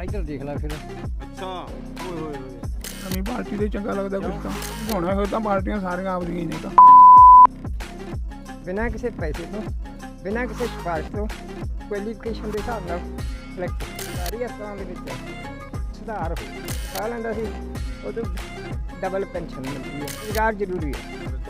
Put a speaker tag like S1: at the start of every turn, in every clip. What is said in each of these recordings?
S1: इधर देख ला फिर
S2: ਅੱਛਾ ਓਏ ਹੋਏ ਹੋਏ
S3: ਨਵੀਂ ਪਾਰਟੀ ਦੇ ਚੰਗਾ ਲੱਗਦਾ ਕੁਛ ਤਾਂ ਹੋਣਾ ਹੋਇਆ ਤਾਂ ਪਾਰਟੀਆਂ ਸਾਰੀਆਂ ਆਪਦੀਆਂ ਹੀ ਨੇ ਤਾਂ
S1: बिना किसी पैसे तो बिना किसी सिफारिश तो क्वालिफिकेशन के हिसाब ਨਾਲ ਸਿਲੈਕਟ ਸਾਰੀ ਹਸਪਤਾਲਾਂ ਦੇ ਵਿੱਚ ਸੁਧਾਰ ਹੋ ਸਾਹ ਲੈਂਦਾ ਸੀ ਉਹ ਤੋਂ ਡਬਲ ਪੈਨਸ਼ਨ ਮਿਲਦੀ ਹੈ ਰੁਜ਼ਗਾਰ ਜ਼ਰੂਰੀ ਹੈ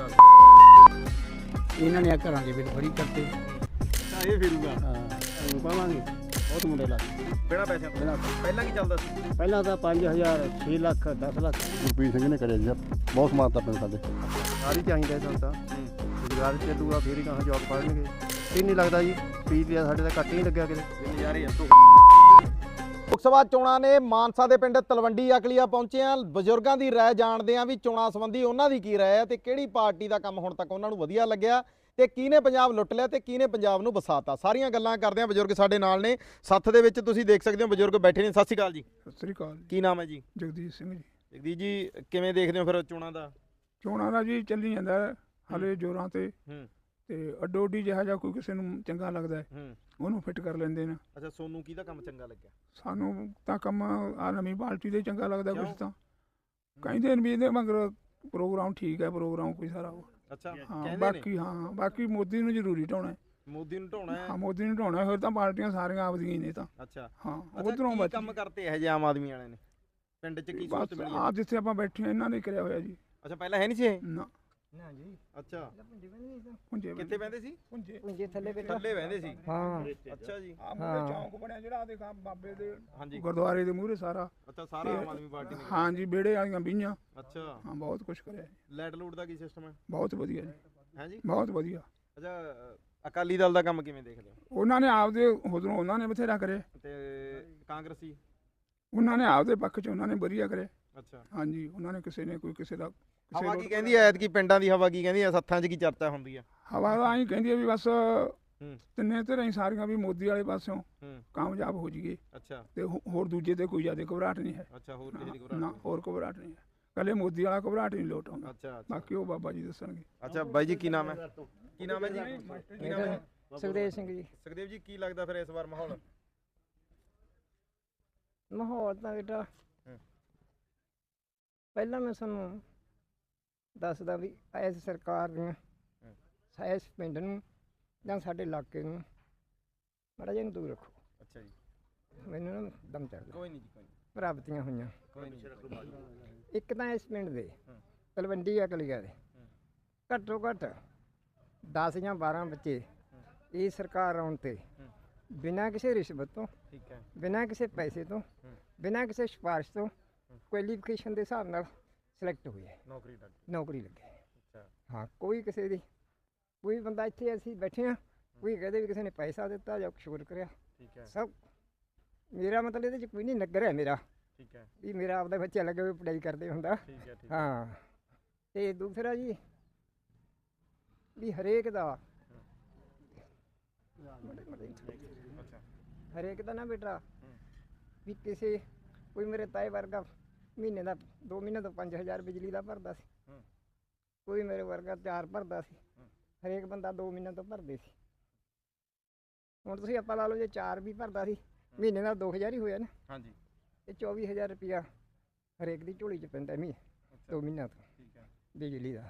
S4: ਇਹਨਾਂ ਨੇ ਘਰਾਂ ਦੇ ਵਿੱਚ ਬੜੀ ਕਰਤੇ
S2: ਤਾਂ ਇਹ ਫਿਰੂਗਾ
S4: ਸਾਨੂੰ ਪਾਵਾਂਗੇ ਬਹੁਤ ਮੁੰਡੇ ਲੱਗ
S2: ਬਿਨਾਂ ਪੈਸਿਆਂ ਤੋਂ ਪਹਿਲਾਂ ਕੀ ਚੱਲਦਾ ਸੀ
S4: ਪਹਿਲਾਂ ਤਾਂ 5000 6 ਲੱਖ 10 ਲੱਖ
S5: ਗੁਰਪ੍ਰੀਤ ਸਿੰਘ ਨੇ ਕਰਿਆ ਜੀ ਬਹੁਤ ਸਮਾਨਤਾ ਪਿੰਡ ਸਾਡੇ
S6: ਸਾਰੀ ਚਾਹੀਦਾ ਸਾਨੂੰ ਤਾਂ ਰੁਜ਼ਗਾਰ ਚੱਲੂਗਾ ਫੇਰ ਹੀ ਕਹਾਂ ਜੋਬ ਪੜ੍ਹਨਗੇ ਇਹ ਨਹੀਂ ਲੱਗਦਾ ਜੀ ਫੀਸ ਲਿਆ ਸਾਡੇ ਤਾਂ ਘੱਟ ਹੀ ਨਹੀਂ ਲੱਗਿਆ ਕਿਤੇ
S2: ਨਜ਼ਾਰੇ ਆ
S7: ਲੋਕ ਸਭਾ ਚੋਣਾਂ ਨੇ ਮਾਨਸਾ ਦੇ ਪਿੰਡ ਤਲਵੰਡੀ ਅਕਲੀਆ ਪਹੁੰਚੇ ਆ ਬਜ਼ੁਰਗਾਂ ਦੀ ਰਾਏ ਜਾਣਦੇ ਆ ਵੀ ਚੋਣਾਂ ਸੰਬੰਧੀ ਉਹਨਾਂ ਦੀ ਕੀ ਰਾਏ ਹੈ ਤੇ ਕਿਹੜੀ ਪਾਰਟੀ ਦਾ ਕੰਮ ਹੁਣ ਤੱਕ ਉਹਨਾਂ ਨੂੰ ਵਧੀਆ ਲੱਗਿਆ ਤੇ ਕਿਹਨੇ ਪੰਜਾਬ ਲੁੱਟ ਲਿਆ ਤੇ ਕਿਹਨੇ ਪੰਜਾਬ ਨੂੰ ਵਸਾਤਾ ਸਾਰੀਆਂ ਗੱਲਾਂ ਕਰਦੇ ਆ ਬਜ਼ੁਰਗ ਸਾਡੇ ਨਾਲ ਨੇ ਸੱਥ ਦੇ ਵਿੱਚ ਤੁਸੀਂ ਦੇਖ ਸਕਦੇ ਹੋ ਬਜ਼ੁਰਗ ਬੈਠੇ ਨੇ ਸਤਿ ਸ਼੍ਰੀ ਅਕਾਲ ਜੀ
S3: ਸਤਿ ਸ੍ਰੀ ਅਕਾਲ ਜੀ
S7: ਕੀ ਨਾਮ ਹੈ ਜੀ
S3: ਜਗਦੀਸ਼ ਸਿੰਘ ਜੀ
S7: ਜਗਦੀਸ਼ ਜੀ ਕਿਵੇਂ ਦੇਖਦੇ ਹੋ ਫਿਰ ਚੋਣਾਂ ਦਾ
S3: ਚੋਣਾਂ ਦਾ ਜੀ ਚੱਲੀ ਜਾਂਦਾ ਹੈ, ਹਾਲੇ ਜ਼ੋਰਾਂ ਤੇ
S7: ਹੂੰ
S3: ਤੇ ਅੱਡੋ ਅੱਡੀ ਜਿਹਾ ਕੋਈ ਕਿਸੇ ਨੂੰ ਚੰਗਾ ਲੱਗਦਾ ਹੈ
S7: ਹੂੰ
S3: ਉਹਨੂੰ ਫਿੱਟ ਕਰ ਲੈਂਦੇ ਨੇ
S7: ਅੱਛਾ ਸੋਨੂੰ ਕਿਹਦਾ ਕੰਮ ਚੰਗਾ ਲੱਗਿਆ
S3: ਸਾਨੂੰ ਤਾਂ ਕੰਮ ਆ ਨਵੀਂ ਪਾਰਟੀ ਦੇ ਚੰਗਾ ਲੱਗਦਾ ਕੁਛ
S7: ਕਿਉਂ?
S3: ਤਾਂ ਕਹਿੰਦੇ ਨੇ ਵੀ ਇਹਦੇ ਮਗਰ ਪ੍ਰੋਗਰਾਮ ਠੀਕ ਹੈ ਪ੍ਰੋਗਰਾਮ ਕੋਈ ਸਾਰਾ
S7: ਅੱਛਾ
S3: ਹਾਂ
S7: ਕਹਿੰਦੇ ਨੇ
S3: ਬਾਕੀ ਮੋਦੀ ਨੂੰ ਜ਼ਰੂਰੀ ਢਾਉਣਾ ਹੈ।
S7: ਮੋਦੀ ਨੂੰ ਢਾਉਣਾ ਹੈ
S3: ਹਾਂ ਮੋਦੀ ਨੂੰ ਢਾਉਣਾ ਹੋਰ ਤਾਂ ਪਾਰਟੀਆਂ ਸਾਰੀਆਂ ਆਪਦੀਆਂ ਹੀ ਨੇ ਤਾਂ
S7: ਅੱਛਾ
S3: ਹਾਂ
S7: ਅੱਛਾ,
S3: ਉਧਰੋਂ
S7: ਕੀ
S3: ਬਚ
S7: ਕੰਮ ਕਰਤੇ ਇਹ ਜੇ ਆਮ ਆਦਮੀ ਵਾਲਿਆਂ ਨੇ ਪਿੰਡ 'ਚ ਕੀ ਸਹੂਲਤ
S3: ਬਸ
S7: ਮਿਲੀ ਹੈ?
S3: ਆ ਜਿੱਥੇ ਆਪਾਂ ਬੈਠੇ ਹਾਂ ਇਹਨਾਂ ਨੇ ਕਰਿਆ ਹੋਇਆ ਜੀ
S7: ਅੱਛਾ ਪਹਿਲਾਂ ਹੈ ਨਹੀਂ ਸੀ ਇਹ
S3: ਨਾ
S1: ਨਾ ਜੀ
S7: ਅੱਛਾ
S3: ਪੁੰਜੇ
S7: ਕਿੱਥੇ ਬਹਿੰਦੇ ਸੀ
S3: ਪੁੰਜੇ
S1: ਪੁੰਜੇ ਥੱਲੇ ਬੇਟਾ
S7: ਥੱਲੇ ਬਹਿੰਦੇ ਸੀ
S1: ਹਾਂ
S7: ਅੱਛਾ ਜੀ
S3: ਆ ਮੂਹਰੇ ਚੌਂਕ ਬਣਿਆ ਜਿਹੜਾ ਦੇਖਾ ਬਾਬੇ ਦੇ
S7: ਹਾਂਜੀ
S3: ਗੁਰਦੁਆਰੇ ਦੇ ਮੂਹਰੇ ਸਾਰਾ
S7: ਅੱਛਾ ਸਾਰਾ ਆਮ ਆਦਮੀ ਪਾਰਟੀ ਨੇ
S3: ਹਾਂ ਜੀ ਵਿਹੜੇ ਵਾਲੀਆਂ ਬੀਆਂ
S7: ਅੱਛਾ
S3: ਹਾਂ ਬਹੁਤ ਕੁਝ ਕਰਿਆ ਜੀ,
S7: ਲੈਟ ਲੂਟ ਦਾ ਕੀ ਸਿਸਟਮ ਹੈ
S3: ਬਹੁਤ ਵਧੀਆ ਜੀ
S7: ਹੈ ਜੀ
S3: ਬਹੁਤ ਵਧੀਆ
S7: ਅੱਛਾ ਅਕਾਲੀ ਦਲ ਦਾ ਕੰਮ ਕਿਵੇਂ ਦੇਖਦੇ ਹੋ
S3: ਉਹਨਾਂ ਨੇ ਆਪਦੇ ਉਧਰੋਂ ਉਹਨਾਂ ਨੇ ਬਥੇਰਾ ਕਰੇ
S7: ਤੇ ਕਾਂਗਰਸੀ
S3: ਉਹਨਾਂ ਨੇ ਆਪਦੇ ਪੱਖ 'ਚ ਉਹਨਾਂ ਨੇ ਵਧੀਆ ਕਰੇ
S7: ਅੱਛਾ
S3: ਹਾਂਜੀ ਉਹਨਾਂ ਨੇ ਕਿਸੇ ਨੇ ਕੋਈ ਕਿਸੇ ਦਾ ਕਿਸੇ
S7: ਹਵਾ
S3: ਨੂੰ-
S7: ਕੀ ਕਹਿੰਦੀ ਐ ਐਤਕੀ ਪਿੰਡਾਂ ਦੀ ਹਵਾ ਕੀ ਕਹਿੰਦੀ ਐ ਸੱਥਾਂ 'ਚ ਕੀ ਚਰਚਾ ਹੁੰਦੀ ਆ
S3: ਹਵਾ ਤਾਂ ਐਂ ਕਹਿੰਦੀ ਹੈ ਵੀ ਬਸ
S7: ਹੂੰ
S3: ਤਿੰਨੇ ਧਿਰਾਂ ਹੀ ਸਾਰੀਆਂ ਵੀ ਮੋਦੀ ਵਾਲੇ ਪਾਸਿਓਂ
S7: ਹੂੰ
S3: ਕਾਮਯਾਬ ਹੋ ਜਾਈਏ
S7: ਅੱਛਾ
S3: ਤੇ ਹੋਰ ਦੂਜੇ ਤੇ ਕੋਈ ਜ਼ਿਆਦਾ ਘਬਰਾਹਟ ਨਹੀਂ ਹੈ
S7: ਅੱਛਾ ਹੋਰ ਕਿਸੇ ਦੀ
S3: ਨਾ
S7: ਘਬਰਾਹਟ
S3: ਹੋਰ ਘਬਰਾਹਟ ਨਹੀਂ ਹੈ ਕੱਲੇ ਮੋਦੀ ਵਾਲਾ ਘਬਰਾਹਟ ਨਹੀਂ ਲੋਟ ਆਉਂਦਾ
S7: ਅੱਛਾ ਅੱਛਾ
S3: ਬਾਕੀ ਉਹ ਬਾਬਾ ਜੀ ਦੱਸਣਗੇ
S7: ਅੱਛਾ ਬਾਈ ਜੀ ਕੀ ਨਾਮ ਹੈ ਕੀ ਨਾਮ ਹੈ ਜੀ ਕੀ ਨਾਮ ਹੈ
S1: ਸੁਖਦੇਵ ਸਿੰਘ ਜੀ
S7: ਸੁਖਦੇਵ ਜੀ ਕੀ ਲੱਗਦਾ ਫਿਰ ਇਸ ਵਾਰ ਮਾਹੌਲ
S1: ਮਾਹੌਲ ਤਾਂ ਬੇਟਾ ਪਹਿਲਾਂ ਮੈਂ ਤੁਹਾਨੂੰ ਦੱਸਦਾ ਵੀ ਇਸ ਸਰਕਾਰ ਦੀਆਂ ਇਸ ਪਿੰਡ ਨੂੰ ਜਾਂ ਸਾਡੇ ਇਲਾਕੇ ਨੂੰ ਮਾੜਾ ਜਿਹਾ ਨੂੰ ਦੂਰ ਰੱਖੋ
S7: ਅੱਛਾ ਜੀ
S1: ਮੈਨੂੰ ਨਾ ਦਮ ਚੜਦਾ
S7: ਕੋਈ ਨਹੀਂ ਜੀ ਕੋਈ ਨਹੀਂ
S1: ਪ੍ਰਾਪਤੀਆਂ ਹੋਈਆਂ
S7: ਕੋਈ ਨਹੀਂ
S1: ਇੱਕ ਤਾਂ ਇਸ ਪਿੰਡ ਦੇ ਤਲਵੰਡੀ ਅਕਲੀਆ ਦੇ ਘੱਟੋ ਘੱਟ 10 ਜਾਂ 12 ਬੱਚੇ ਇਹ ਸਰਕਾਰ ਆਉਣ ਤੇ ਬਿਨਾਂ ਕਿਸੇ ਰਿਸ਼ਵਤ ਤੋਂ
S7: ਠੀਕ ਹੈ
S1: ਬਿਨਾਂ ਕਿਸੇ ਪੈਸੇ ਤੋਂ ਬਿਨਾਂ ਕਿਸੇ ਸਿਫਾਰਿਸ਼ ਤੋਂ ਕੁਆਲੀਫਿਕੇਸ਼ਨ ਦੇ ਹਿਸਾਬ ਨਾਲ ਸਿਲੈਕਟ ਹੋਏ ਹੈ
S7: ਨੌਕਰੀ ਲੱਗ
S1: ਨੌਕਰੀ ਲੱਗੇ
S7: ਅੱਛਾ
S1: ਹਾਂ ਕੋਈ ਕਿਸੇ ਦੀ ਕੋਈ ਬੰਦਾ ਇੱਥੇ ਅਸੀਂ ਬੈਠੇ ਹਾਂ ਕੋਈ ਕਹਦੇ ਵੀ ਕਿਸੇ ਨੇ ਪੈਸਾ ਦਿੱਤਾ ਜਾਂ ਕੁਛ ਹੋਰ ਕਰਿਆ
S7: ਠੀਕ ਹੈ
S1: ਸਭ ਮੇਰਾ ਮਤਲਬ ਇਹਦੇ 'ਚ ਕੋਈ ਨਹੀਂ ਨਗਰ ਹੈ ਮੇਰਾ
S7: ਠੀਕ ਹੈ
S1: ਵੀ ਮੇਰਾ ਆਪਦਾ ਬੱਚਾ ਲੱਗੇ ਹੋਏ ਪੜ੍ਹਾਈ ਕਰਦੇ ਹੁੰਦਾ
S7: ਠੀਕ ਹੈ ਠੀਕ
S1: ਹਾਂ ਤੇ ਦੂਸਰਾ ਜੀ ਵੀ ਹਰੇਕ ਦਾ
S7: ਅੱਛਾ
S1: ਹਰੇਕ ਦਾ ਨਾ ਬੇਟਾ ਵੀ ਕਿਸੇ ਕੋਈ ਮੇਰੇ ਤਾਏ ਵਰਗਾ ਮਹੀਨੇ ਦਾ 2 ਮਹੀਨੇ ਤੋਂ 5000 ਬਿਜਲੀ ਦਾ ਭਰਦਾ ਸੀ ਕੋਈ ਮੇਰੇ ਵਰਗਾ 4 ਭਰਦਾ ਸੀ ਹਰੇਕ ਬੰਦਾ 2 ਮਹੀਨੇ ਤੋਂ ਭਰਦੇ ਸੀ ਹੁਣ ਤੁਸੀਂ ਆਪਾਂ ਲਾ ਲਓ ਜੇ 4 ਵੀ ਭਰਦਾ ਸੀ ਮਹੀਨੇ ਦਾ 2000 ਹੀ ਹੋਇਆ ਨਾ
S7: ਹਾਂਜੀ
S1: ਇਹ 24000 ਰੁਪਇਆ ਹਰੇਕ ਦੀ ਝੋਲੀ 'ਚ ਪੈਂਦਾ
S7: ਅੱਛਾ
S1: 2 ਮਹੀਨਿਆਂ ਤੋਂ
S7: ਠੀਕ ਹੈ
S1: ਬਿਜਲੀ ਦਾ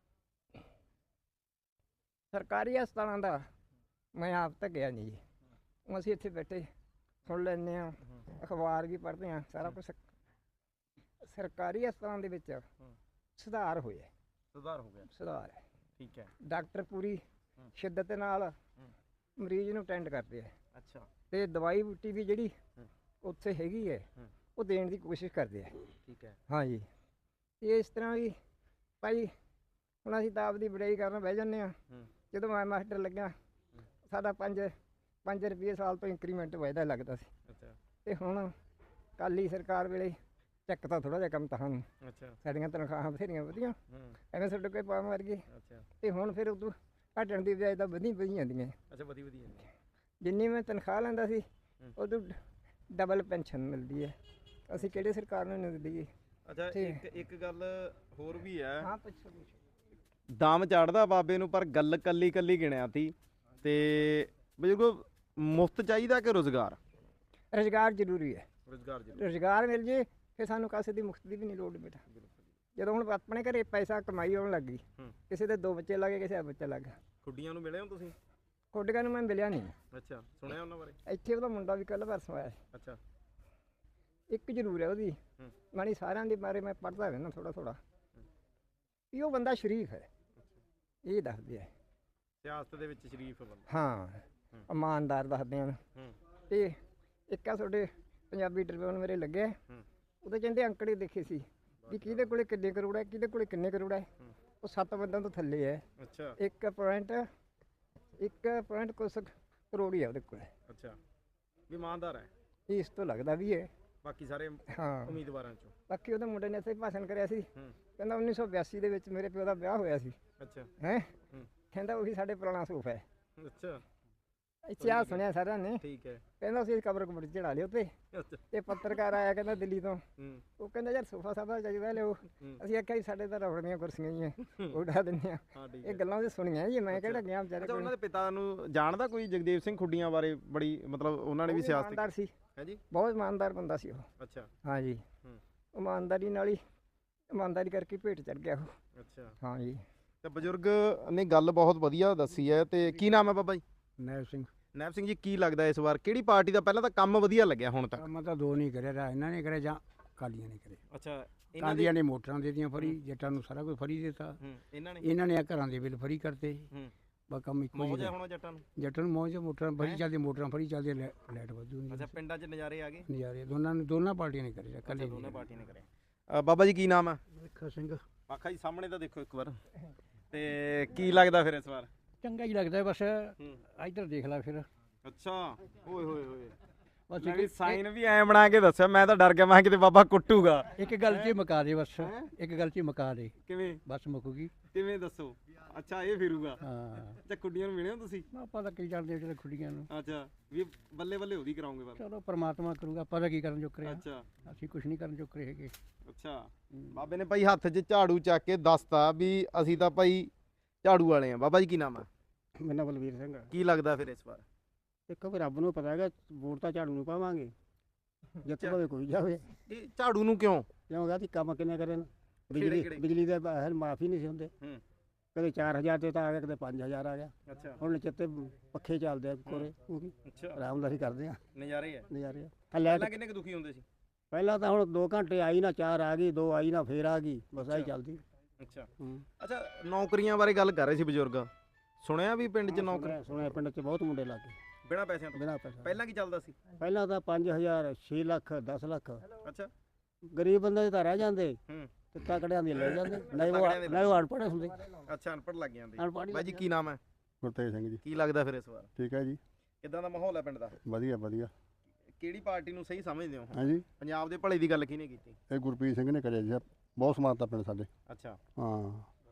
S1: ਸਰਕਾਰੀ ਹਸਪਤਾਲਾਂ ਦਾ ਮੈਂ ਆਪ ਤਾਂ ਗਿਆ ਨਹੀਂ ਜੀ ਹੁਣ ਅਸੀਂ ਇੱਥੇ ਬੈਠੇ ਸੁਣ ਲੈਂਦੇ ਹਾਂ ਅਖਬਾਰ ਵੀ ਪੜ੍ਹਦੇ ਹਾਂ ਸਾਰਾ ਕੁਛ ਸਰਕਾਰੀ ਹਸਪਤਾਲਾਂ ਦੇ ਵਿੱਚ ਸੁਧਾਰ ਹੋਇਆ
S7: ਸੁਧਾਰ ਹੋ ਗਿਆ
S1: ਸੁਧਾਰ ਹੈ
S7: ਠੀਕ ਹੈ
S1: ਡਾਕਟਰ ਪੂਰੀ ਸ਼ਿੱਦਤ ਨਾਲ ਮਰੀਜ਼ ਨੂੰ ਅਟੈਂਡ ਕਰਦੇ ਆ
S7: ਅੱਛਾ
S1: ਤੇ ਦਵਾਈ ਬੂਟੀ ਵੀ ਜਿਹੜੀ ਉੱਥੇ ਹੈਗੀ ਹੈ ਉਹ ਦੇਣ ਦੀ ਕੋਸ਼ਿਸ਼ ਕਰਦੇ ਆ
S7: ਠੀਕ ਹੈ
S1: ਹਾਂਜੀ ਤੇ ਇਸ ਤਰ੍ਹਾਂ ਵੀ ਭਾਈ ਹੁਣ ਅਸੀਂ ਤਾਂ ਆਪਦੀ ਬੜਾਈ ਕਰਨ ਬਹਿ ਜਾਂਦੇ ਹਾਂ ਜਦੋਂ ਮੈਂ ਮਾਸਟਰ ਲੱਗਿਆ ਸਾਡਾ 5 ਰੁਪਏ ਸਾਲ ਤੋਂ ਇੰਕਰੀਮੈਂਟ ਵਾਧਾ ਲੱਗਦਾ ਸੀ
S7: ਅੱਛਾ
S1: ਤੇ ਹੁਣ ਕਾਲੀ ਸਰਕਾਰ ਵੇਲੇ ਚੱਕ ਤਾਂ ਥੋੜਾ ਜਿਹਾ ਕੰਮ ਤਾਂ ਸਾਨੂੰ
S7: ਅੱਛਾ
S1: ਸਾਡੀਆਂ ਤਨਖਾਹਾਂ ਬਥੇਰੀਆਂ ਵਧੀਆਂ ਐਵੇਂ ਸਾਡੇ ਕੋਈ ਪਾਉਣ ਵਰਗੇ
S7: ਅੱਛਾ
S1: ਤੇ ਹੁਣ ਫਿਰ ਉਦੋਂ ਘਟਣ ਦੀ ਬਜਾਏ ਤਾਂ ਵਧੀ ਜਾਂਦੀਆਂ
S7: ਅੱਛਾ ਵਧੀਆ ਵਧੀਆ
S1: ਜਿੰਨੀ ਮੈਂ ਤਨਖਾਹ ਲੈਂਦਾ ਸੀ ਉਦੋਂ ਡਬਲ ਪੈਨਸ਼ਨ ਮਿਲਦੀ ਹੈ ਅਸੀਂ ਕਿਹੜੇ ਸਰਕਾਰ ਨੂੰ ਨਹੀਂ ਦਿੰਦੀ
S7: ਅੱਛਾ
S1: ਠੀਕ।
S7: ਇੱਕ ਗੱਲ ਹੋਰ ਵੀ ਹੈ
S1: ਹਾਂ ਪੁੱਛੋ
S7: ਦਾਮ ਚੜਦਾ ਬਾਬੇ ਨੂੰ ਪਰ ਗੱਲ ਕੱਲੀ ਕੱਲੀ ਗਿਣਿਆ ਤੀ ਤੇ ਬਜ਼ੁਰਗੋ ਮੁਫਤ ਚਾਹੀਦਾ ਕਿ ਰੁਜ਼ਗਾਰ
S1: ਰੁਜ਼ਗਾਰ ਜ਼ਰੂਰੀ ਹੈ
S2: ਰੁਜ਼ਗਾਰ ਜੀ
S1: ਰੁਜ਼ਗਾਰ ਮਿਲ ਜੇ ਫਿਰ ਸਾਨੂੰ ਕਾਸੇ ਦੀ ਮੁਕਤ ਦੀ ਵੀ ਨਹੀਂ ਲੋੜ ਬੇਟਾ। ਜਦੋਂ ਹੁਣ ਆਪਣੇ ਘਰੇ ਪੈਸਾ ਕਮਾਈ ਆਉਣ ਲੱਗ ਗਈ, ਕਿਸੇ ਦੇ 2 ਬੱਚੇ ਲੱਗੇ, ਕਿਸੇ ਦਾ ਬੱਚਾ ਲੱਗ ਗਿਆ।
S2: ਖੁੱਡੀਆਂ ਨੂੰ ਮਿਲੇ ਹੋ ਤੁਸੀਂ?
S1: ਕੋਟੀਆਂ ਨੂੰ ਮੈਂ ਮਿਲਿਆ ਨਹੀਂ।
S2: ਅੱਛਾ, ਸੁਣਿਆ ਉਹਨਾਂ ਬਾਰੇ?
S1: ਇੱਥੇ ਉਹਦਾ ਮੁੰਡਾ ਵੀ ਕੱਲ੍ਹ ਪਰਸੋਂ ਆਇਆ ਸੀ।
S2: ਅੱਛਾ,
S1: ਇੱਕ ਜ਼ਰੂਰ ਹੈ ਉਹਦੀ ਮਾਣੀ, ਸਾਰਿਆਂ ਦੇ ਬਾਰੇ ਮੈਂ ਪੜ੍ਹਦਾ ਰਹਿੰਦਾ ਥੋੜਾ ਵੀ ਉਹ ਬੰਦਾ ਸ਼ਰੀਫ ਹੈ, ਇਹ ਦੱਸਦੇ ਆ।
S2: ਸਿਆਸਤ ਦੇ ਵਿੱਚ ਸ਼ਰੀਫ ਬੰਦਾ।
S1: ਹਾਂ, ਇਮਾਨਦਾਰ ਦੱਸਦੇ ਹਨ। ਤੇ ਇੱਕ ਆ ਤੁਹਾਡੇ ਪੰਜਾਬੀ ਟ੍ਰਿਬਿਊਨ ਮੇਰੇ ਲੱਗੇ, ਉਹਦੇ ਕਹਿੰਦੇ ਅੰਕੜੇ ਦੇਖੇ ਸੀ ਵੀ ਕਿਹਦੇ ਕੋਲੇ ਕਿੰਨੇ ਕਰੋੜ ਹੈ, ਕਿਹਦੇ ਕੋਲੇ ਕਿੰਨੇ ਕਰੋੜ ਹੈ। ਉਹ 7 ਬੰਦਿਆਂ ਤੋਂ ਥੱਲੇ ਹੈ।
S2: ਅੱਛਾ,
S1: 1 ਕੁਛ ਕਰੋੜ ਹੀ ਹੈ ਉਹਦੇ ਕੋਲ।
S2: ਅੱਛਾ, ਵੀ ਇਮਾਨਦਾਰ ਹੈ।
S1: ਇਸ ਤੋਂ ਲੱਗਦਾ ਵੀ ਹੈ।
S2: ਬਾਕੀ ਸਾਰੇ
S1: ਹਾਂ,
S2: ਉਮੀਦਵਾਰਾਂ ਚੋਂ।
S1: ਬਾਕੀ ਉਹਦੇ ਮੁੰਡੇ ਨੇ ਇੱਥੇ ਭਾਸ਼ਣ ਕਰਿਆ ਸੀ, ਕਹਿੰਦਾ 1982 ਦੇ ਵਿੱਚ ਮੇਰੇ ਪਿਓ ਦਾ ਵਿਆਹ ਹੋਇਆ ਸੀ।
S2: ਅੱਛਾ,
S1: ਹੈ ਕਹਿੰਦਾ ਉਹੀ ਸਾਡੇ ਪੁਰਾਣਾ ਸੂਫ ਹੈ।
S2: ਅੱਛਾ,
S1: ਇੱਥੇ ਆ ਸੁਣਿਆ ਸਾਰਿਆਂ ਨੇ।
S2: ਠੀਕ ਹੈ।
S1: ਕਹਿੰਦਾ ਅਸੀਂ ਕਬਰ ਕੁਬਰ ਚੜਾ ਲਿਓ ਤੇ
S2: ਅੱਛਾ,
S1: ਤੇ ਪੱਤਰਕਾਰ ਆਇਆ ਕਹਿੰਦਾ ਦਿੱਲੀ ਤੋਂ, ਉਹ ਕਹਿੰਦਾ ਯਾਰ ਸੋਫਾ ਸਾਫਾ ਚਾਹੀਦਾ ਲਿਓ। ਅਸੀਂ ਆਖਿਆ ਜੀ ਸਾਡੇ ਤਾਂ ਰਬੜ ਦੀਆਂ ਕੁਰਸੀਆਂ ਹੀ ਆ, ਉਹ ਉਡਾ ਦਿੰਦੇ ਆ।
S2: ਹਾਂ ਠੀਕ
S1: ਇਹ
S2: ਹੈ।
S1: ਗੱਲਾਂ ਉਹਦੇ ਸੁਣੀਆਂ ਜੀ, ਮੈਂ ਕਿਹੜਾ ਗਿਆ ਵਿਚਾਰੇ
S2: ਅੱਛਾ,
S1: ਕੋਲ।
S2: ਉਹਨਾਂ ਦੇ ਪਿਤਾ ਨੂੰ ਜਾਣਦਾ ਕੋਈ? ਜਗਦੇਵ ਸਿੰਘ ਖੁੱਡੀਆਂ ਬਾਰੇ ਬੜੀ ਮਤਲਬ ਉਹਨਾਂ ਨੇ ਵੀ ਸਿਆਸਤ
S1: ਇਮਾਨਦਾਰ ਸੀ,
S2: ਹੈ ਜੀ।
S1: ਬਹੁਤ ਇਮਾਨਦਾਰ ਬੰਦਾ ਸੀ ਉਹ।
S2: ਅੱਛਾ,
S1: ਹਾਂ ਜੀ, ਇਮਾਨਦਾਰੀ ਨਾਲ ਹੀ, ਇਮਾਨਦਾਰੀ ਕਰਕੇ ਭੇਟ ਚੜ ਗਿਆ ਉਹ।
S2: ਅੱਛਾ।
S1: ਹਾਂ ਜੀ।
S7: ਤੇ ਬਜ਼ੁਰਗ ਨੇ ਗੱਲ ਬਹੁਤ ਵਧੀਆ ਦੱਸੀ ਹੈ। ਤੇ ਕੀ ਨਾਮ ਹੈ ਬਾਬਾ ਜੀ?
S4: ਨੈਬ ਸਿੰਘ।
S7: ਨੈਬ ਸਿੰਘ ਜੀ, ਕੀ ਲੱਗਦਾ ਇਸ ਵਾਰ ਕਿਹੜੀ ਪਾਰਟੀ ਦਾ ਪਹਿਲਾਂ ਤਾਂ ਕੰਮ ਵਧੀਆ ਲੱਗਿਆ ਹੁਣ ਤੱਕ?
S4: ਕੰਮ ਤਾਂ 2 ਨਹੀਂ ਕਰਿਆ, ਇਹਨਾਂ ਨੇ ਕਰਿਆ ਜਾਂ ਕਾਲੀਆਂ ਨੇ ਕਰੇ।
S2: ਅੱਛਾ,
S4: ਕਾਲੀਆਂ ਨੇ ਮੋਟਰਾਂ ਦੇ ਦਿੱਤੀਆਂ ਫਰੀ, ਜੱਟਾਂ ਨੂੰ ਸਾਰਾ ਕੁਝ ਫਰੀ ਦਿੱਤਾ। ਇਹਨਾਂ ਨੇ ਆ ਘਰਾਂ ਦੇ ਬਿੱਲ ਫਰੀ ਕਰਤੇ। ਬਸ ਕੰਮ ਇੱਕੋ
S2: ਮੌਜ ਹੈ
S4: ਜਿਹਾ।
S2: ਹੁਣ ਜੱਟਾਂ ਨੂੰ।
S4: ਜੱਟਾਂ ਨੂੰ ਮੌਜ, ਮੋਟਰਾਂ ਫਰੀ ਚੱਲਦੀਆਂ, ਮੋਟਰਾਂ ਫਰੀ ਚੱਲਦੀਆਂ, ਲਾਈਟ ਵਧੂ ਨਹੀਂ।
S2: ਅੱਛਾ, ਪਿੰਡਾਂ 'ਚ ਨਜ਼ਾਰੇ ਆ ਗਏ?
S4: ਨਜ਼ਾਰੇ ਦੋਨਾਂ ਪਾਰਟੀਆਂ ਨੇ ਕਰੇ, ਕੱਲੇ
S2: ਦੋਨੇ ਪਾਰਟੀਆਂ ਨੇ ਕਰੇ। ਬਾਬਾ ਜੀ ਕੀ ਨਾਮ ਹੈ?
S4: ਲੱਖਾ ਸਿੰਘ।
S2: ਪਾਖਾ ਜੀ ਸਾਹਮਣੇ ਤਾਂ ਦੇਖੋ ਇੱਕ ਵਾਰ। ਤੇ ਕੀ ਲੱਗਦਾ ਫਿਰ ਇਸ ਵਾਰ?
S4: ਚੰਗਾ ਹੀ ਲੱਗਦਾ ਬਸ। ਇੱਧਰ ਦੇਖ ਲੈ ਫਿਰ।
S2: ਅੱਛਾ, ਓਏ ਹੋਏ ਹੋਏ,
S4: ਬਸ
S2: ਮੈਂ ਵੀ ਸਾਈਨ ਵੀ ਐ ਬਣਾ ਕੇ ਦੱਸਿਆ, ਮੈਂ ਤਾਂ ਡਰ ਗਿਆ, ਮੈਂ ਕਿਤੇ ਬਾਬਾ ਕੁੱਟੂਗਾ।
S4: ਇੱਕ ਗੱਲ 'ਚ ਮੁਕਾ ਦੇ ਬਸ, ਇੱਕ ਗੱਲ 'ਚ ਮੁਕਾ ਦੇ,
S2: ਕਿਵੇਂ?
S4: ਬਸ ਮੁੱਕੂਗੀ।
S2: ਕਿਵੇਂ ਦੱਸੋ? ਅੱਛਾ, ਇਹ ਫਿਰੂਗਾ।
S4: ਹਾਂ,
S2: ਅੱਛਾ, ਕੁੱਡੀਆਂ ਨੂੰ ਮਿਲੇ ਹੋ ਤੁਸੀਂ?
S4: ਆਪਾਂ ਤਾਂ ਕੀ ਜਾਣਦੇ ਜਿਹੜੇ ਖੁੱਡੀਆਂ ਨੂੰ।
S2: ਅੱਛਾ, ਵੀ ਬੱਲੇ ਬੱਲੇ ਉਹਦੀ ਕਰਾਉਂਗੇ ਪਰ।
S4: ਚਲੋ ਪਰਮਾਤਮਾ ਕਰੂਗਾ, ਆਪਾਂ ਤਾਂ ਕੀ ਕਰਨ ਚੁੱਕ ਰਹੇ ਹਾਂ।
S2: ਅੱਛਾ,
S4: ਅਸੀਂ ਕੁਝ ਨਹੀਂ ਕਰਨ ਚੁੱਕ ਰਹੇ ਹੈਗੇ।
S2: ਅੱਛਾ।
S7: ਬਾਬੇ ਨੇ ਭਾਈ ਹੱਥ 'ਚ ਝਾੜੂ ਚੱਕ ਕੇ ਦੱਸਤਾ ਵੀ ਅਸੀਂ ਤਾਂ ਭਾਈ ਝਾੜੂ ਵਾਲੇ ਆ। ਬਾਬਾ ਜੀ ਕੀ ਨਾਮ ਹੈ?
S4: ਮੇਰਾ ਨਾਮ ਬਲਵੀਰ ਸਿੰਘ।
S7: ਕੀ ਲੱਗਦਾ ਫਿਰ ਇਸ ਵਾਰ?
S4: ਦੇਖੋ ਵੀ ਰੱਬ ਨੂੰ ਪਤਾ ਹੈਗਾ, ਵੋਟ ਤਾਂ ਝਾੜੂ ਨੂੰ ਪਾਵਾਂਗੇ, ਜਿੱਤ ਭਾਵੇਂ ਕੋਈ ਜਾਵੇ।
S7: ਇਹ ਝਾੜੂ ਨੂੰ ਕਿਉਂ?
S4: ਕਿਉਂ ਗਾ ਕੰਮ ਕਿੰਨੇ ਕਰੇ ਨੇ?
S2: ਕਿਹੜੇ?
S4: ਬਿਜਲੀ ਦੇ ਬਾਹਰ ਮਾਫੀ ਨਹੀਂ ਸੀ ਹੁੰਦੇ। ਕਦੇ 4000 ਤੇ ਤਾਂ ਆ ਗਿਆ, ਕਦੇ 5000 ਆ ਗਿਆ।
S2: ਅੱਛਾ,
S4: ਹੁਣ ਚਿੱਤੇ ਪੱਖੇ ਚੱਲਦੇ ਆ ਕੋਰੇ,
S2: ਅੱਛਾ,
S4: ਆਰਾਮਦਾਰੀ ਕਰਦੇ ਆ,
S2: ਨਜ਼ਾਰੇ ਆ।
S4: ਨਜ਼ਾਰੇ ਆ।
S2: ਪਹਿਲਾਂ ਕਿੰਨੇ ਕੁ ਦੁਖੀ ਹੁੰਦੇ ਸੀ?
S4: ਪਹਿਲਾਂ ਤਾਂ ਹੁਣ 2 ਘੰਟੇ ਆਈ ਨਾ, 4 ਆ ਗਈ, 2 ਆਈ ਨਾ, ਫੇਰ ਆ ਗਈ, ਬਸ ਆਹੀ ਚੱਲਦੀ।
S2: ਅੱਛਾ।
S4: ਹੂੰ।
S7: ਅੱਛਾ, ਨੌਕਰੀਆਂ ਬਾਰੇ ਗੱਲ ਕਰ ਰਹੇ ਸੀ ਬਜ਼ੁਰਗ, ਸੁਣਿਆ ਵੀ ਪਿੰਡ 'ਚ ਨੌਕਰੀ
S4: ਸੁਣਿਆ ਪਿੰਡ 'ਚ ਬਹੁਤ ਮੁੰਡੇ ਲੱਗ ਗਏ
S2: ਬਿਨਾਂ ਪੈਸਿਆਂ ਤੋਂ?
S4: ਬਿਨਾਂ ਪੈਸਾ।
S2: ਪਹਿਲਾਂ ਕੀ ਚੱਲਦਾ ਸੀ?
S4: ਪਹਿਲਾਂ ਤਾਂ 5000, 6 ਲੱਖ, 10 ਲੱਖ।
S2: ਅੱਛਾ,
S4: ਗਰੀਬ ਬੰਦੇ ਤਾਂ ਰਹਿ ਜਾਂਦੇ
S2: ਹੂੰ,
S4: ਤੇ ਤਕੜਿਆਂ ਦੇ ਲੈ ਜਾਂਦੇ, ਨਹੀਂ ਉਹ ਅਨਪੜ੍ਹ ਹੁੰਦੇ।
S2: ਅੱਛਾ, ਅਨਪੜ੍ਹ ਲੱਗ ਜਾਂਦੇ।
S4: ਅਨਪੜ੍ਹ
S7: ਬਾਈ ਜੀ ਕੀ ਨਾਮ ਹੈ?
S5: ਗੁਰਤੇਜ ਸਿੰਘ ਜੀ।
S7: ਕੀ ਲੱਗਦਾ ਫਿਰ ਇਸ ਵਾਰ
S5: ਠੀਕ ਹੈ ਜੀ,
S2: ਕਿੱਦਾਂ ਦਾ ਮਾਹੌਲ ਹੈ ਪਿੰਡ ਦਾ?
S5: ਵਧੀਆ ਵਧੀਆ।
S2: ਕਿਹੜੀ ਪਾਰਟੀ ਨੂੰ ਸਹੀ ਸਮਝਦੇ ਹੋ?
S5: ਹਾਂਜੀ,
S2: ਪੰਜਾਬ ਦੇ ਭਲੇ ਦੀ ਗੱਲ ਕਿਹਨੇ ਕੀਤੀ?
S5: ਇਹ ਗੁਰਪ੍ਰੀਤ ਸਿੰਘ ਨੇ ਕਰਿਆ ਜੀ, ਬਹੁਤ ਸਮਾਨਤਾ ਪਿੰਡ ਸਾਡੇ।
S2: ਅੱਛਾ,
S5: ਹਾਂ,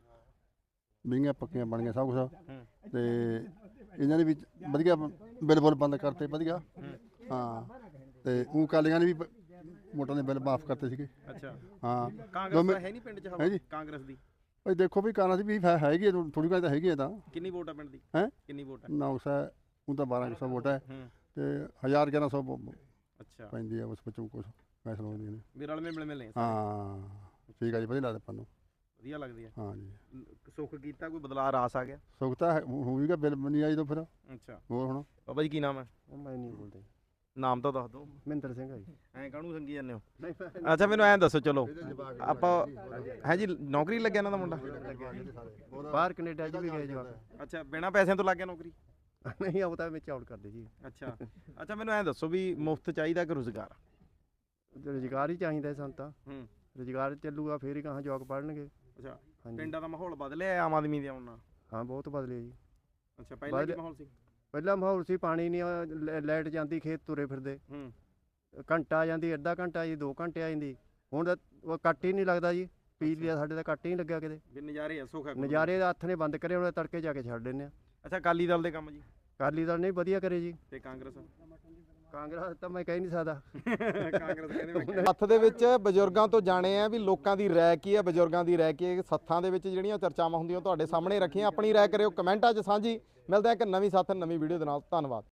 S5: ਬਿੰਗੀਆਂ ਪੱਕੀਆਂ ਬਣ ਗਈਆਂ ਸਭ ਕੁਛ। ਤੇ ਇਹਨਾਂ ਨੇ ਵੀ ਵਧੀਆ ਬਿੱਲ ਬੁੱਲ ਬੰਦ ਕਰਤੇ ਵਧੀਆ। ਹਾਂ, ਤੇ ਉਹ ਕਾਲੀਆਂ ਨੇ ਵੀ ਵੋਟਾਂ ਦੇ ਬਿੱਲ ਮਾਫ ਕਰਤੇ ਸੀਗੇ।
S2: ਅੱਛਾ।
S5: ਹਾਂ,
S2: ਕਾਂਗਰਸ ਦਾ ਹੈ ਨਹੀਂ ਪਿੰਡ 'ਚ ਹਵਾ?
S5: ਹੈ ਜੀ।
S2: ਕਾਂਗਰਸ ਦੀ
S5: ਭਾਈ ਦੇਖੋ ਵੀ ਕਾਂਗਰਸ ਵੀ ਹੈਗੀ, ਥੋੜੀ ਘਣੀ ਤਾਂ ਹੈਗੀ ਹੈ ਤਾਂ।
S2: ਕਿੰਨੀ ਵੋਟ ਹੈ ਪਿੰਡ ਦੀ?
S5: ਹੈਂ?
S2: ਕਿੰਨੀ ਵੋਟ ਹੈ?
S5: 900, ਉਹ ਤਾਂ 1200 ਵੋਟ ਹੈ।
S2: ਹੂੰ।
S5: ਤੇ 1100
S2: ਅੱਛਾ,
S5: ਪੈਂਦੀ ਹੈ ਉਸ ਵਿੱਚੋਂ ਕੁਛ ਫੈਸਲਾ ਹੁੰਦੀਆਂ ਨੇ।
S2: ਵੀ ਰਲਵੇਂ ਮਿਲਵੇਂ ਨੇ।
S5: ਹਾਂ ਠੀਕ ਹੈ ਜੀ, ਵਧੀਆ ਲੱਗਦਾ ਆਪਾਂ ਨੂੰ।
S2: ਵਧੀਆ ਲੱਗਦੀ ਹੈ।
S5: ਹਾਂ ਜੀ,
S2: ਸੁੱਖ ਕੀਤਾ, ਕੋਈ ਬਦਲਾਅ ਰਾਸ ਆ ਗਿਆ?
S5: ਸੁੱਖ ਤਾਂ ਹੋਊਗਾ, ਬਿੱਲ ਨਹੀਂ ਆਈ ਤਾਂ ਫਿਰ
S2: ਅੱਛਾ।
S5: ਹੋਰ ਹੁਣ।
S2: ਬਾਬਾ ਜੀ ਕੀ ਨਾਮ ਹੈ?
S6: ਮੈਂ ਨਹੀਂ ਬੋਲਦਾ।
S2: ਨਾਮ ਤਾਂ ਦੱਸ ਦਿਓ।
S6: ਮਹਿੰਦਰ ਸਿੰਘ ਆ ਜੀ।
S2: ਐਂ ਕਾਹਨੂੰ ਸੰਗੀ ਜਾਂਦੇ ਹੋ? ਅੱਛਾ, ਮੈਨੂੰ ਐਂ ਦੱਸੋ, ਚਲੋ ਆਪਾਂ ਹੈ ਜੀ, ਨੌਕਰੀ ਲੱਗਿਆ ਇਹਨਾਂ ਦਾ ਮੁੰਡਾ?
S6: ਬਾਹਰ ਕੈਨੇਡਾ 'ਚ ਵੀ ਗਏ ਜਵਾਕ।
S2: ਅੱਛਾ, ਬਿਨਾਂ ਪੈਸਿਆਂ ਤੋਂ ਲੱਗ ਗਿਆ ਨੌਕਰੀ?
S6: ਨਹੀਂ, ਉਹ ਤਾਂ ਵਿੱਚ ਆਊਟ ਕਰਦੇ ਜੀ।
S2: ਅੱਛਾ। ਅੱਛਾ, ਮੈਨੂੰ ਐਂ ਦੱਸੋ ਵੀ ਮੁਫਤ ਚਾਹੀਦਾ ਕਿ ਰੁਜ਼ਗਾਰ?
S6: ਰੁਜ਼ਗਾਰ ਹੀ ਚਾਹੀਦਾ ਸਾਨੂੰ ਤਾਂ।
S2: ਹੂੰ।
S6: ਰੁਜ਼ਗਾਰ ਚੱਲੂਗਾ ਫੇਰ ਹੀ ਕਹਾਂ ਜਵਾਕ ਪੜ੍ਹਨਗੇ।
S2: ਅੱਛਾ,
S6: ਹਾਂਜੀ।
S2: ਪਿੰਡਾਂ ਦਾ ਮਾਹੌਲ ਬਦਲਿਆ ਆਮ ਆਦਮੀ ਦੇ ਆਉਣ ਨਾਲ?
S6: ਹਾਂ, ਬਹੁਤ ਬਦਲਿਆ ਜੀ।
S2: ਅੱਛਾ, ਪਹਿਲਾਂ ਕੀ ਮਾਹੌਲ ਸੀ?
S6: ਪਹਿਲਾਂ ਮਾਹੌਲ ਸੀ ਪਾਣੀ ਨਹੀਂ, ਲਾਈਟ ਜਾਂਦੀ, ਖੇਤ ਤੁਰੇ ਫਿਰਦੇ,
S2: ਹੂੰ।
S6: ਘੰਟਾ ਆ ਜਾਂਦੀ, ਅੱਧਾ ਘੰਟਾ ਜੀ, 2 ਘੰਟੇ ਆ ਜਾਂਦੀ। ਹੁਣ ਤਾਂ ਉਹ ਕੱਟ ਹੀ ਨਹੀਂ ਲੱਗਦਾ ਜੀ, ਪੀ ਲਿਆ ਸਾਡੇ ਤਾਂ ਕੱਟ ਹੀ ਨਹੀਂ ਲੱਗਿਆ ਕਿਤੇ।
S2: ਵੀ ਨਜ਼ਾਰੇ ਆ, ਸੁੱਖ ਹੈ?
S6: ਨਜ਼ਾਰੇ ਦਾ ਹੱਥ ਨੇ ਬੰਦ ਕਰੇ, ਹੁਣ ਤੜਕੇ ਜਾ ਕੇ ਛੱਡ ਦਿੰਦੇ ਆ।
S2: ਅੱਛਾ, ਅਕਾਲੀ ਦਲ ਦੇ ਕੰਮ ਜੀ?
S6: ਅਕਾਲੀ ਦਲ ਨਹੀਂ ਵਧੀਆ ਕਰੇ ਜੀ।
S2: ਤੇ ਕਾਂਗਰਸ?
S6: ਕਾਂਗਰਸ ਤਾਂ ਮੈਂ ਕਹਿ ਨਹੀਂ ਸਕਦਾ।
S2: ਕਾਂਗਰਸ ਕਹਿੰਦੇ ਮੈਂ
S7: ਹੱਥ ਦੇ ਵਿੱਚ ਬਜ਼ੁਰਗਾਂ ਤੋਂ ਜਾਣੇ ਆ ਵੀ ਲੋਕਾਂ ਦੀ ਰਾਏ ਕੀ ਹੈ, ਬਜ਼ੁਰਗਾਂ ਦੀ ਰਾਏ ਕੀ ਹੈ। ਸੱਥਾਂ ਦੇ ਵਿੱਚ ਜਿਹੜੀਆਂ ਚਰਚਾਵਾਂ ਹੁੰਦੀਆਂ ਤੁਹਾਡੇ ਸਾਹਮਣੇ ਰੱਖੀਆਂ। ਆਪਣੀ ਰਾਏ ਕਰਿਓ ਕਮੈਂਟਾਂ 'ਚ ਸਾਂਝੀ। ਮਿਲਦੇ ਆ ਇੱਕ ਨਵੀਂ ਸਾਥ ਨਵੀਂ ਵੀਡੀਓ ਦੇ ਨਾਲ। ਧੰਨਵਾਦ।